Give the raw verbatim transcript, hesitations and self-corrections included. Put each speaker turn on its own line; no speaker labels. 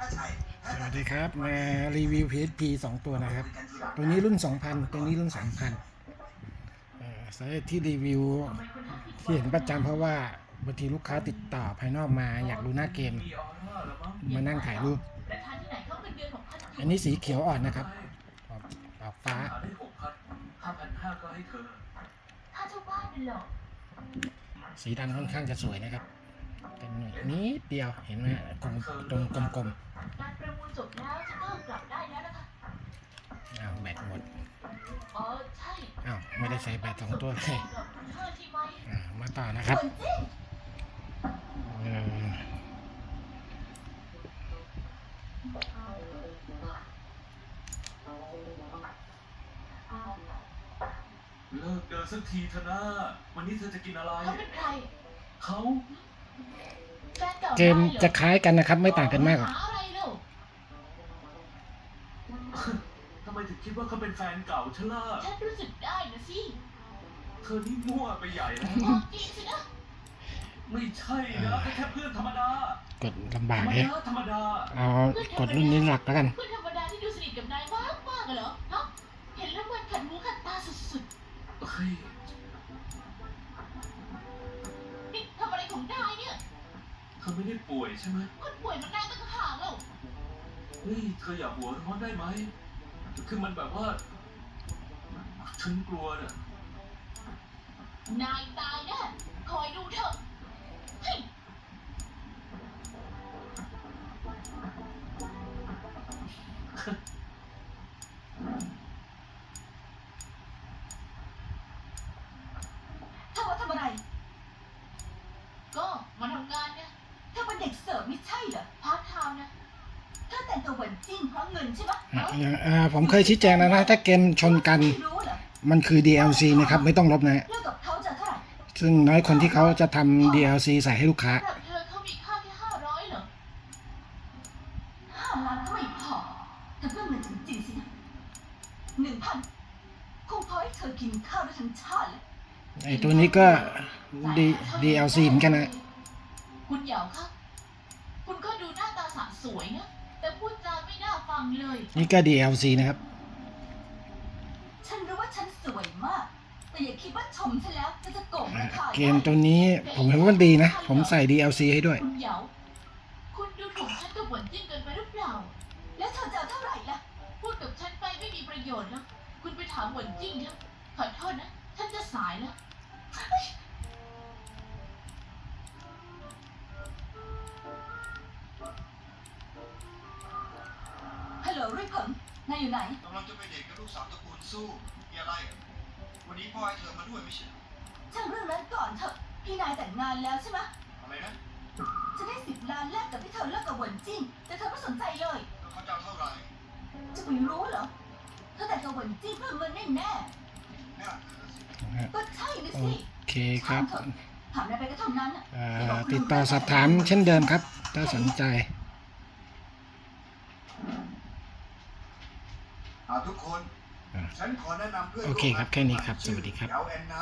สวัสดีครับมารีวิว พี เอส พี สองตัวนะครับตัวนี้รุ่น สองพัน ตัวนี้รุ่น สามพันเอ่อสาเหตุที่รีวิวที่เห็นประจำเพราะว่าบางทีลูกค้าติดต่อภายนอกมาอยากดูหน้าเกมมานั่งถ่ายรูปอันนี้สีเขียวอ่อนนะครับออกออกฟ้าสีดำค่อนข้างจะสวยนะครับเป็นนิดเดียวเห็นไหมตรงตรงกลมๆ
การประมูลจบแล้วจะก็กลับได้แล้วนะคะ
อ้าวแบตหมด
อ๋อใช่
อ้าวไม่ได้ใส่แบตสองตัวเลย
เธอที่ไว้
อ่ามาต่อนะครับเออ
เลิกเดินสักทีเถอะนะวันนี้เธอจะกินอะไร
เขาเป็นใคร
เขา
แฟนเก่า
เกมจะคล้ายกันนะครับไม่ต่างกันมากหรอก
หาอะไรเล่า
ทำไมถึงคิดว่าเขาเป็นแฟนเก่าฉันล่ะ
ฉันรู้สึกได้นะสิ
เธอนี่มั่วไปใหญ่แล้ว
บอกจริงสินะ
ไม่ใช่นะแค่เพื่อนธรรมดาก
ดลำบาก
ธรรม
เลย
ดาธรรมดา
เอากดรุ่นนี้หลักแล้วกัน
เพื่อนธรรมดาที่ดูสนิทกับนายมากมากเหรอฮะเห็นแล้วมันขัดหูขัดตาสุด
เฮ้ย
ๆนี่ทำอะไรของนายเนี่ย
เธอไม่ได้ป่วยใช่ไหม
คนป่วยมันนายตั้งห่างแล้ว
เฮ้ยเธออย่าหัวร้อนได้ไหมคือมันแบบว่าฉันกลัวเนี่ย
นายตายแน่คอยดูเถอะเฮ้ย
เธอมาทำอะไร
ก็มาทำงานเนี่ย
เธอเป็นเด็กเสิร์ฟไม่ใช่เหรอ
พาร์ทไทม์นะ
เธอแต่งตัวเหมือนจริงเพราะเงินใช่ไหม
อ่าผมเคยชี้แจงแล้วนะถ้าเกมชนกัน
ไม่รู้เหรอ
มันคือ ดี แอล ซี นะครับไม่ต้องลบนะ
เลิกกับเขาจะเท่าไหร่
ซึ่งน้อยคนที่เขาจะทำ ดี แอล ซี ใส่ให้ลูกค้า
สำหรับเธอเขามีค่าแค่ห้าร้อยเหรอ
ห้าล้านก็ไม่พอเธอเพิ่มเงินจริงๆสินะหนึ่งพันคงพอให้เธอกินข้าวได้ทั้งชาติเลย
ไอตัวนี้ก็ D ดี แอล ซี เหมือนกันนะ
คุณเหยาคะคุณก็ดูหน้าตาสะสวยนะแต่พูดจาไม่น่าฟังเลย
นี่ก็ ดี แอล ซี นะครับ
ฉันรู้ว่าฉันสวยมาก แต่อย่าคิดว่าชมฉันแล้วจะจะโกงราคา
เกมตัวนี้ผมเห็นว่ามันดีนะ ผมใส่ ดี แอล ซี ให้ด้วย
คุณเหยาคุณดูถูกฉันกับหวนจิ้นเกินไปหรือเปล่า
แล้วเธอจะเอาเท่าไหร่ล่ะ
พูดกับฉันไปไม่มีประโยชน์แล้วคุณไปถามหวนจิ้นเถอะขอโทษนะฉันจะสายแล้ว
ฮัลโหลรุ่ยเผิงนายอยู่ไหน
กำลังจะไปเดทกับลูกสาวตระกูลสู้มีอะไรอ่ะวันนี้พ่อให้เธอมาด้วยไม่ใช่เหรอ
ช่างเรื่องนั้นก่อนเถอะ พี่นายแต่งงานแล้วใช่ไหม
อะไรนะ
จะได้สิบล้านแลกกับที่เธอเลิกกับหวนจิ้นแต่เธอไม่สนใจเลย
แล้วเขาจะเอาเท่าไหร่
จะไปรู้เหรอ เธอแต่งกับหวนจิ้นเพื่อเงินแน่แน่
แน่เธอสิ
ๆก็ใช่นะ
โอ
สิ
เคครับ
ถามเถอะถามนายไปก็เท่านั้นน่ะ
อ่าติดต่อสอบถามเช่นเดิมครับ ถ้าสนใจ
เอาทุกคน
อ่า
ฉันขอแนะนำเพื่อน
โอเคครับแค่นี้ครับสวัสดีครับ
ชื่อเยาแอนนา